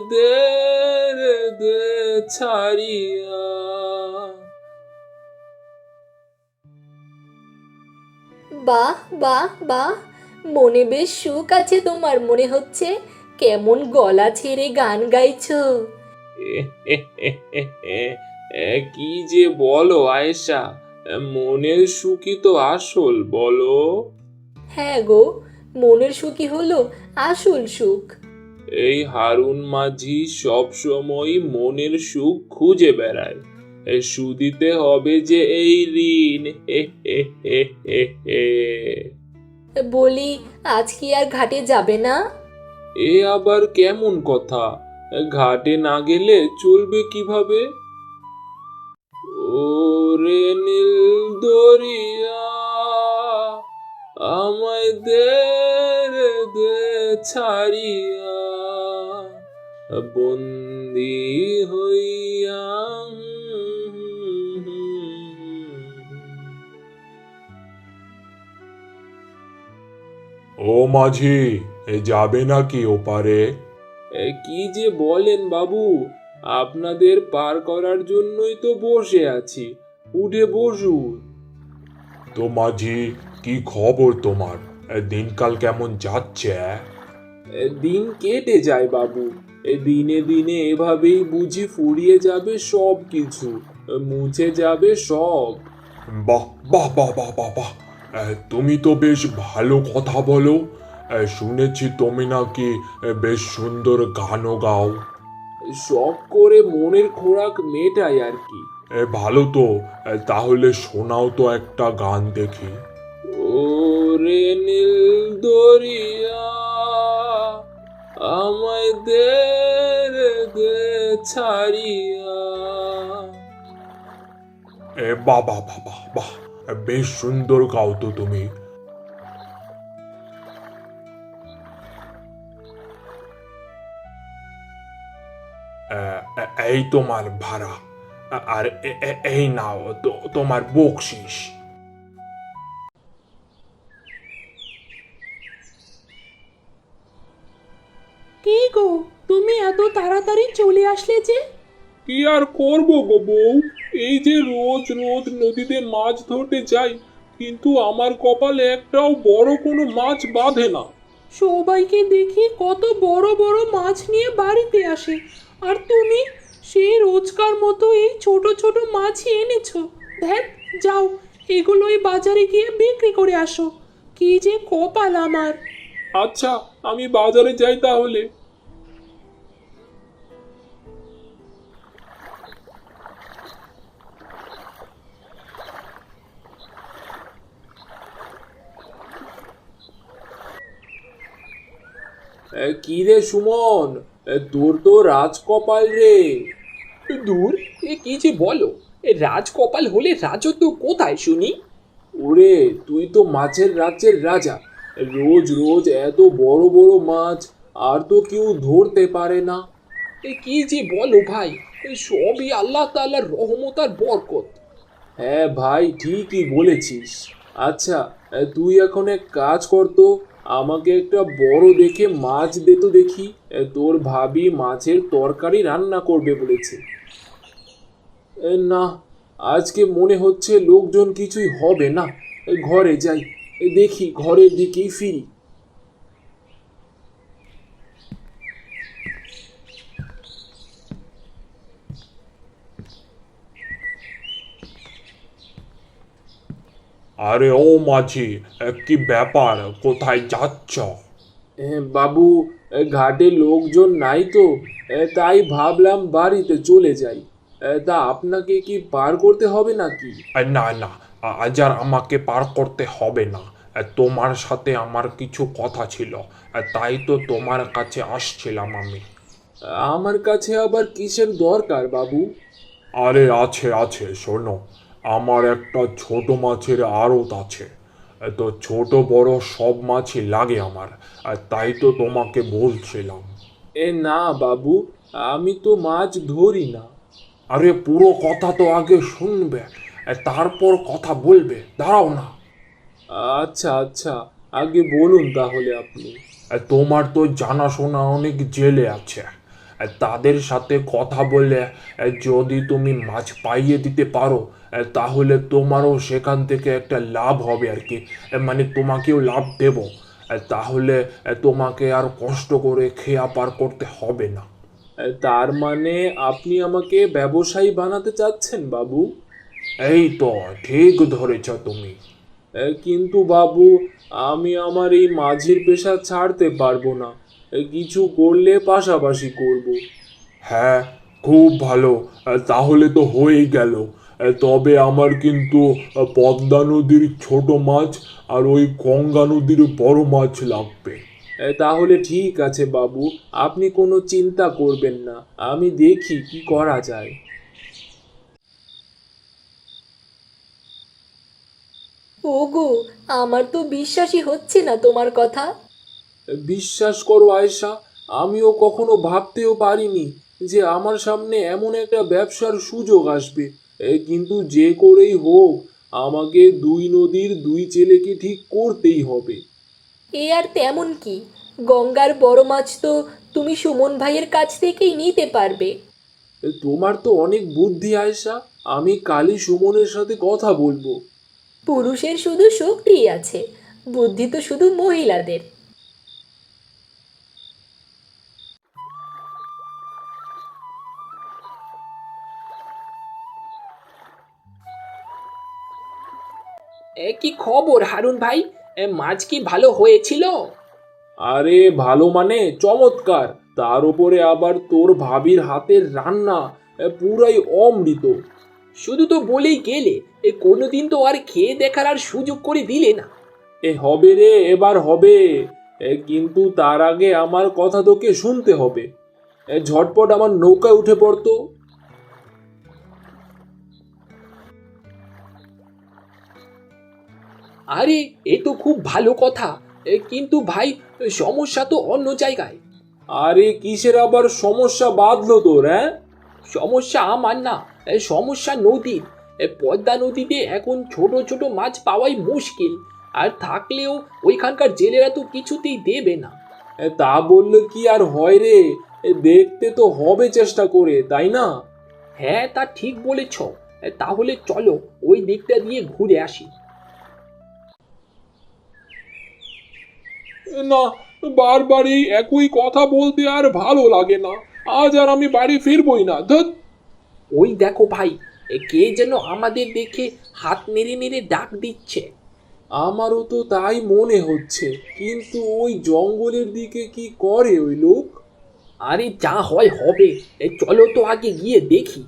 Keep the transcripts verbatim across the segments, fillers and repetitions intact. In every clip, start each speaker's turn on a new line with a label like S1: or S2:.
S1: আমাদের দে ছাড়িয়া।
S2: বাহ বাহ বাহ, মনে বেশ সুখ আছে তোমার মনে হচ্ছে। কেমন গলা ছেড়ে গান গাইছো।
S1: কি যে বলো আয়েশা, মনের সুখই তো আসল, বলো।
S2: হ্যাঁ গো, মনের সুখই হলো আসল সুখ।
S1: এই হারুন মাঝি সব সময় মনের সুখ খুঁজে বেড়ায়। এ শুধিতে হবে যে এই ঋণ। হে হে হে হে হে।
S2: বলি, আজ কি আর ঘাটে যাবে না?
S1: এ আবার কেমন কথা? ঘাটে না গেলে চলবে কিভাবে? ওরে নীল দরিয়া, আমায় দে রে দে ছাড়িয়া, বন্দি হইয়া।
S3: ও মাঝি, এ যাবে নাকি ওপারে?
S1: এ, কি যে বলেন বাবু, আপনাদের পার করার জন্যই তো বসে আছি, উঠে বসুন।
S3: তো মাঝি, কি খবর তোমার? এ দিনকাল কেমন যাচ্ছে?
S1: এ, দিন কেটে যায় বাবু। এ, দিনে দিনে এভাবেই বুঝি ফুরিয়ে যাবে সব কিছু, মুছে যাবে সব।
S3: বাহ বাহ বাহ বাহ বাহ বাহ, এ, তুমি তো বেশ ভালো কথা বলো। এ, শুনেছি তুমি নাকি এ, বেশ সুন্দর গানও গাও।
S1: শখ করে মনের খোরাক মেটাই আর কি।
S3: এ ভালো তো। এ, তাহলে শোনাও তো একটা গান দেখি।
S1: ওরে নীল দরিয়া, আমায় দে রে দে ছাড়িয়া।
S3: এ বাহ বাহ বাহ বাহ বাহ, এ, বেশ সুন্দর গাও তো তুমি। এ, এ, এই তোমার ভাড়া, আ- আর এ- এ- এই নাও তো তোমার বকশিস।
S4: কি গো, তুমি এত তাড়াতাড়ি চলে আসলে যে?
S1: কি আর করব গো বউ, এই যে রোজ রোজ নদীতে মাছ ধরতে যাই, কিন্তু আমার কপালে একটাও বড় কোনো মাছ বাঁধে না।
S4: সবাইকে দেখি কত বড় বড় মাছ নিয়ে বাড়িতে আসে, আর তুমি সেই রোজকার মতো এই ছোট ছোট মাছই এনেছো। ধ্যান, যাও, এগুলোই বাজারে গিয়ে বিক্রি করে আসো। কি যে কপাল আমার।
S1: আচ্ছা, আমি বাজারে যাই তাহলে। এ, কি রে সুমন, এ, তোর তো রাজকপাল রে।
S5: দূর, এ কি যে বলো! এ রাজকপাল হলে রাজত্ব কোথায় শুনি?
S1: ওরে, তুই তো মাছের রাজ্যের রাজা। রোজ রোজ এত বড় বড় মাছ আর তো কেউ ধরতে পারে না।
S5: এ কি যে বলো ভাই! এ সবই আল্লাহ তাআলার রহমত আর বরকত।
S1: হ্যাঁ ভাই, ঠিকই বলেছিস। আচ্ছা, তুই এখন এক কাজ কর তো, আমাকে একটা বড় দেখে মাছ দে তো দেখি। তোর ভাবি মাছের তরকারি রান্না করবে বলেছে। এ, না, আজকে মনে হচ্ছে লোকজন কিছুই হবে না। এ, ঘরে যাই, এ, দেখি ঘরের দিকেই ফিরি।
S3: আরে ও মাঝি, এ, কি ব্যাপার, কোথায় যাচ্ছ?
S1: এ, বাবু, এ, ঘাটে লোকজন নাই তো, এ, তাই ভাবলাম বাড়িতে চলে যাই। এ, তা আপনাকে কি পার করতে হবে নাকি?
S3: এ, না না, আজ আর আমাকে পার করতে হবে না। এ, তোমার সাথে আমার কিছু কথা ছিল, এ, তাই তো তোমার কাছে আসছিলাম আমি।
S1: আমার কাছে আবার কিসের দরকার বাবু?
S3: আরে আছে আছে, শোনো। আমার একটা ছোট মাছের আড়ত আছে। এ, তো ছোট বড় সব মাছই লাগে আমার, আর তাই তো তোমাকে বলছিলাম।
S1: এ না বাবু, আমি তো মাছ ধরি না।
S3: আরে পুরো কথা তো আগে শুনবে, এ, তারপর কথা বলবে, দাঁড়াও না।
S1: আচ্ছা আচ্ছা, আগে বলুন তাহলে আপনি।
S3: এ, তোমার তো জানাশোনা অনেক জেলে আছে। আহ, তাদের সাথে কথা বলে আহ, যদি তুমি মাছ পাইয়ে দিতে পারো আহ, তাহলে তোমারও সেখান থেকে একটা লাভ হবে আর কি। আহ, মানে তোমাকেও লাভ দেব। আহ, তাহলে আহ, তোমাকে আর কষ্ট করে খেয়া পার করতে হবে না।
S1: এ, তার মানে আপনি আমাকে ব্যবসায়ী বানাতে চাচ্ছেন বাবু?
S3: এই তো ঠিক ধরেছ তুমি।
S1: এ, কিন্তু বাবু, আমি আমার এই মাঝির পেশা ছাড়তে পারবো না। এ, কিছু করলে পাশাপাশি করব।
S3: হ্যাঁ, খুব ভালো। আহ, তাহলে তো হয়েই গেল। আহ, তবে আমার কিন্তু আহ, পদ্মা নদীর ছোট মাছ আর ওই গঙ্গা নদীর বড় মাছ লাগবে।
S1: এ, তাহলে ঠিক আছে বাবু, আপনি কোনো চিন্তা করবেন না, আমি দেখি কি করা যায়।
S2: ওগো, আমার তো বিশ্বাসই হচ্ছে না তোমার কথা।
S1: এ, বিশ্বাস করো আয়েশা, আমিও কখনো ভাবতেও পারিনি যে আমার সামনে এমন একটা ব্যবসার সুযোগ আসবে। এ, কিন্তু যে করেই হোক, আমাকে দুই নদীর দুই ছেলেকে ঠিক করতেই হবে।
S2: এ আর তেমন কি, গঙ্গার বড় মাছ তো তুমি সুমন ভাইয়ের কাছ থেকেই নিতে পারবে।
S1: এ, তোমার তো অনেক বুদ্ধি আয়েশা, আমি কালই সুমনের সাথে কথা বলবো।
S2: পুরুষের শুধু শক্তিই আছে, বুদ্ধি তো শুধু মহিলাদের।
S5: এ কি খবর হারুন ভাই? এ, মাছ কি ভালো হয়েছিল?
S1: আরে ভালো মানে চমৎকার, তার উপরে আবার তোর ভাবির হাতের রান্না, এ, পুরাই অমৃত।
S5: শুধু তো বলেই গেলে, এ কোনোদিন তো আর খেয়ে দেখার আর সুযোগ করে দিলে না।
S1: এ হবে রে, এবার হবে। এ, কিন্তু তার আগে আমার কথা তোকে শুনতে হবে। এ, ঝটপট আমার নৌকায় উঠে পড়তো।
S5: আরে, এ তো খুব ভালো কথা। এ, কিন্তু ভাই, সমস্যা তো অন্য জায়গায়।
S1: আরে কিসের আবার সমস্যা বাঁধলো তোর, হ্যাঁ?
S5: সমস্যা আমার না, এ, সমস্যা নদীর। এ, পদ্মা নদীতে এখন ছোট ছোট মাছ পাওয়াই মুশকিল। আর থাকলেও ওইখানকার জেলেরা তো কিছুতেই দেবে না।
S1: এ, তা বললে কি আর হয় রে? এ, দেখতে তো হবে চেষ্টা করে, তাই না?
S5: হ্যাঁ, তা ঠিক বলেছ। এ, তাহলে চলো ওই দিকটা দিয়ে ঘুরে আসি।
S3: না, বারবার এই একই কথা বলতে আর ভালো লাগে না। আজ আর আমি বাড়ি ফিরবই না। ধুৎ।
S5: ওই দেখো ভাই, এ কে যেন আমাদের দেখে হাত নেড়ে নেড়ে ডাক দিচ্ছে।
S1: আমারও তো তাই মনে হচ্ছে, কিন্তু ওই জঙ্গলের দিকে কি করে ওই লোক?
S5: আরে যা হয় হবে, এ চলো তো আগে গিয়ে দেখি।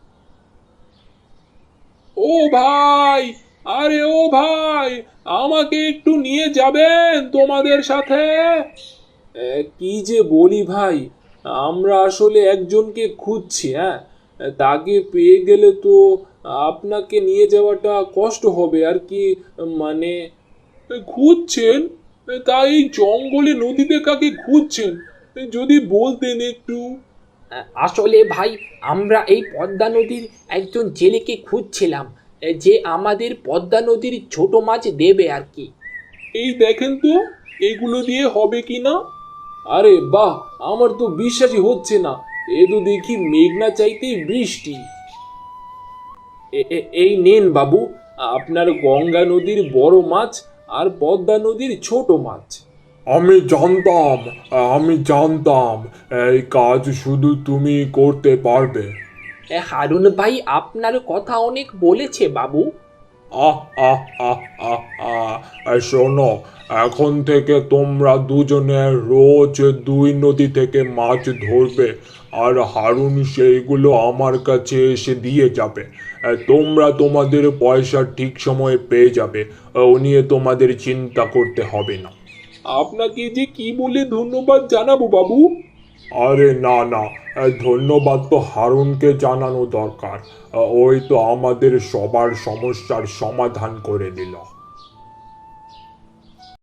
S3: ও ভাই, আরে ও ভাই, আমাকে একটু নিয়ে যাবেন তোমাদের সাথে?
S1: এ, কি যে বলি ভাই, আমরা আসলে একজনকে খুঁজছি। হ্যাঁ, তাকে পেয়ে গেলে তো আপনাকে নিয়ে যাওয়াটা কষ্ট হবে আর কি। মানে
S3: খুঁজছেন? তাই এই জঙ্গলে নদীতে কাকে খুঁজছেন? যদি বলতেন একটু।
S5: আ- আসলে ভাই, আমরা এই পদ্মা নদীর একজন জেলেকে খুঁজছিলাম, এ, যে আমাদের পদ্মা নদীর ছোট মাছ দেবে আর কি।
S3: এই দেখেন তো, এগুলো দিয়ে হবে কি না।
S1: আরে বাহ, আমার তো বিশ্বাসই হচ্ছে না। এ তো দেখি মেঘনা চাইতেই বৃষ্টি। এ- এ- এই নেন বাবু, আপনার গঙ্গা নদীর বড় মাছ আর পদ্মা নদীর ছোট মাছ।
S3: আমি জানতাম, আমি জানতাম এই কাজ শুধু তুমি করতে পারবে।
S5: এ, হারুন ভাই আপনার কথা অনেক বলেছে বাবু।
S3: আহ আহ আহ আহ আহ আহ, শোনো, এখন থেকে তোমরা দুজনে রোজ দুই নদী থেকে মাছ ধরবে, আর হারুন সেইগুলো আমার কাছে এসে দিয়ে যাবে। আহ, তোমরা তোমাদের পয়সা ঠিক সময়ে পেয়ে যাবে। আহ, ও নিয়ে তোমাদের চিন্তা করতে হবে না।
S1: আপনাকে যে কি বলে ধন্যবাদ জানাবো বাবু?
S3: আরে না না, আহ, ধন্যবাদ তো হারুনকে জানানো দরকার। আহ, ওই তো আমাদের সবার সমস্যার সমাধান করে দিল।